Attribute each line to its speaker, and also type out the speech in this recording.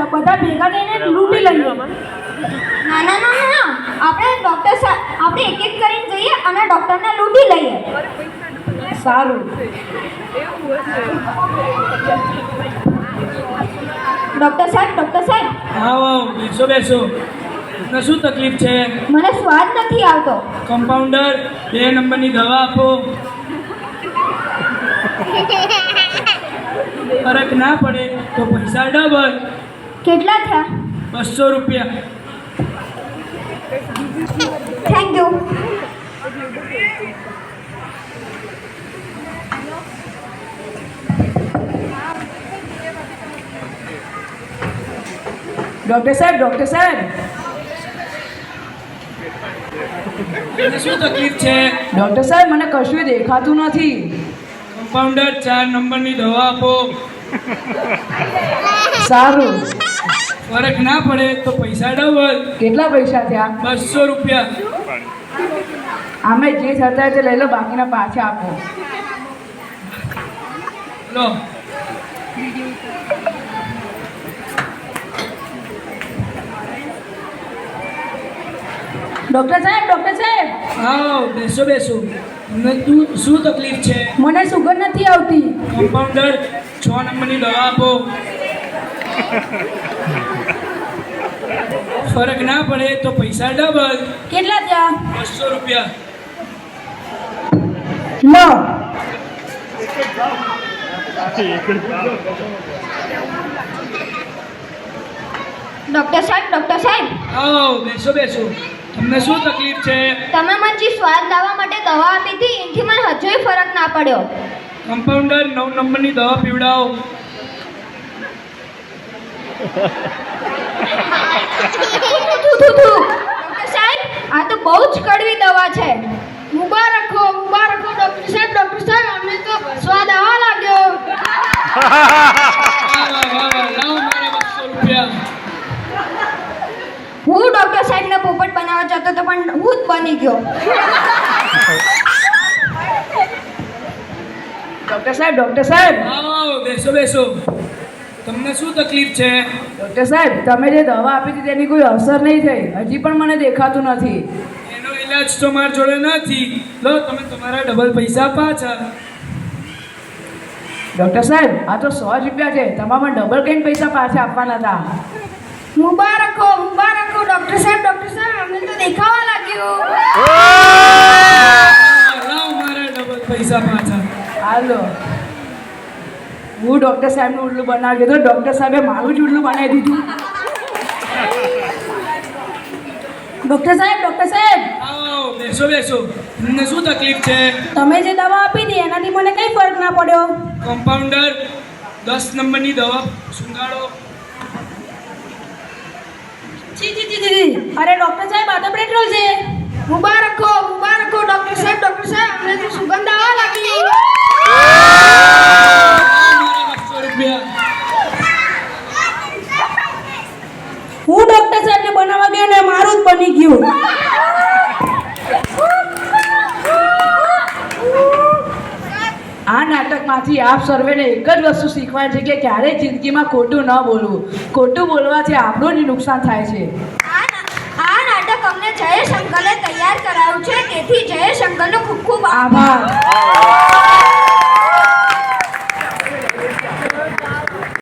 Speaker 1: બધા ભેગા થઈને લૂંટી લઈએ.
Speaker 2: ના ના ના ના, આપણે આપણે એક એક કરીને જઈએ અને ડોક્ટરને લૂંટી લઈએ.
Speaker 1: સારું.
Speaker 2: ડોક્ટર સાહેબ
Speaker 3: આવો બેસો બેસો. તમને શું તકલીફ છે?
Speaker 2: મને સ્વાદ નથી આવતો.
Speaker 3: કમ્પાઉન્ડર 2 નંબરની દવા આપો. ફરક ના પડે તો પૈસા ડબલ.
Speaker 2: કેટલા થયા?
Speaker 3: 200 રૂપિયા.
Speaker 2: Thank you.
Speaker 1: ડૉક્ટર સાહેબ
Speaker 3: તમને શું તકલીફ છે?
Speaker 1: ડૉક્ટર સાહેબ મને કશું દેખાતું નથી.
Speaker 3: કમ્પાઉન્ડર 4 નંબરની દવા આપો.
Speaker 1: સારું.
Speaker 3: ફરક ના પડે તો પૈસા ડબલ.
Speaker 1: કેટલા પૈસા થયા?
Speaker 3: 200 રૂપિયા.
Speaker 1: આમે જે થતા તે લઈ લો, બાકીના પાછા આપો.
Speaker 3: લો.
Speaker 1: ડૉક્ટર સાહેબ
Speaker 3: આવો બેસો. તમને શું તકલીફ છે?
Speaker 1: મને સુગર નથી આવતી.
Speaker 3: કમ્પાઉન્ડર 6 નંબરની દવા આપો. ફરક ના પડે તો પૈસા ડબલ.
Speaker 1: કેટલા થયા?
Speaker 3: 200 રૂપિયા.
Speaker 1: લો.
Speaker 2: ડોક્ટર સાહેબ
Speaker 3: આવો બેસો. તમને શું તકલીફ છે?
Speaker 2: તમે મને જે સ્વાદ લાવવા માટે દવા આપી હતી એનાથી મને હજુય ફરક ના પડ્યો.
Speaker 3: કમ્પાઉન્ડર 9 નંબરની દવા પીવડાવો.
Speaker 2: ડોક્ટર સાહેબ, આ તો બહુ જ કડવી દવા છે. મુબારક હો ડોક્ટર સાહેબ, અમને તો સ્વાદ આવવા લાગ્યો.
Speaker 3: લાવો મારા 200 રૂપિયા.
Speaker 2: હું ડોક્ટર સાહેબને પોપટ બનાવવા જતો તો પણ હું જ બની ગયો.
Speaker 1: ડૉક્ટર સાહેબ
Speaker 3: આવો બેસો. તમને શું તકલીફ છે?
Speaker 1: ડૉક્ટર સાહેબ, તમે જે દવા આપી હતી તેની કોઈ અસર નહીં થઈ. હજી પણ મને દેખાતું નથી.
Speaker 3: એનો ઈલાજ તો મારા જોડે નથી. લો તમે તમારા ડબલ પૈસા પાછા.
Speaker 1: ડૉક્ટર સાહેબ, આ તો 100 રૂપિયા છે. તમારે ડબલ કઈ પૈસા પાછા આપવાના હતા.
Speaker 2: મુબારક હો ડોક્ટર સાહેબ, અમને તો દેખાવા લાગ્યું.
Speaker 3: લાવો મારા ડબલ પૈસા પાછા.
Speaker 1: હાલો. હું ડૉક્ટર સાહેબનું ઉલ્લું બનાવી દીધું, ડૉક્ટર સાહેબે મારું જ ઉલ્લું બનાવી દીધું. ડૉક્ટર સાહેબ
Speaker 3: આવો બેસો. તમને શું તકલીફ છે?
Speaker 1: તમે જે દવા આપી હતી એનાથી મને કંઈ ફરક ના પડ્યો.
Speaker 3: કમ્પાઉન્ડર 10 નંબરની દવા સુંઘાડો.
Speaker 1: છી. અરે ડૉક્ટર સાહેબ, આ તો પેટ્રોલ છે.
Speaker 2: મુબારક હો ડોક્ટર સાહેબ, અમને તો સુગંધ આવવા લાગી.
Speaker 1: હું ડૉક્ટર સાહેબને બનાવવા ગયો ને મારું જ બની ગયું. આ નાટકમાંથી આપ સર્વેને એક જ વસ્તુ શીખવાય છે કે ક્યારેય જિંદગીમાં ખોટું ન બોલવું. ખોટું બોલવાથી આપણું જ નુકસાન થાય છે.
Speaker 2: આ નાટક અમને જયેશ અંકલે તૈયાર કરાવ્યું છે, તેથી જયેશ અંકલનો ખૂબ ખૂબ
Speaker 1: આભાર.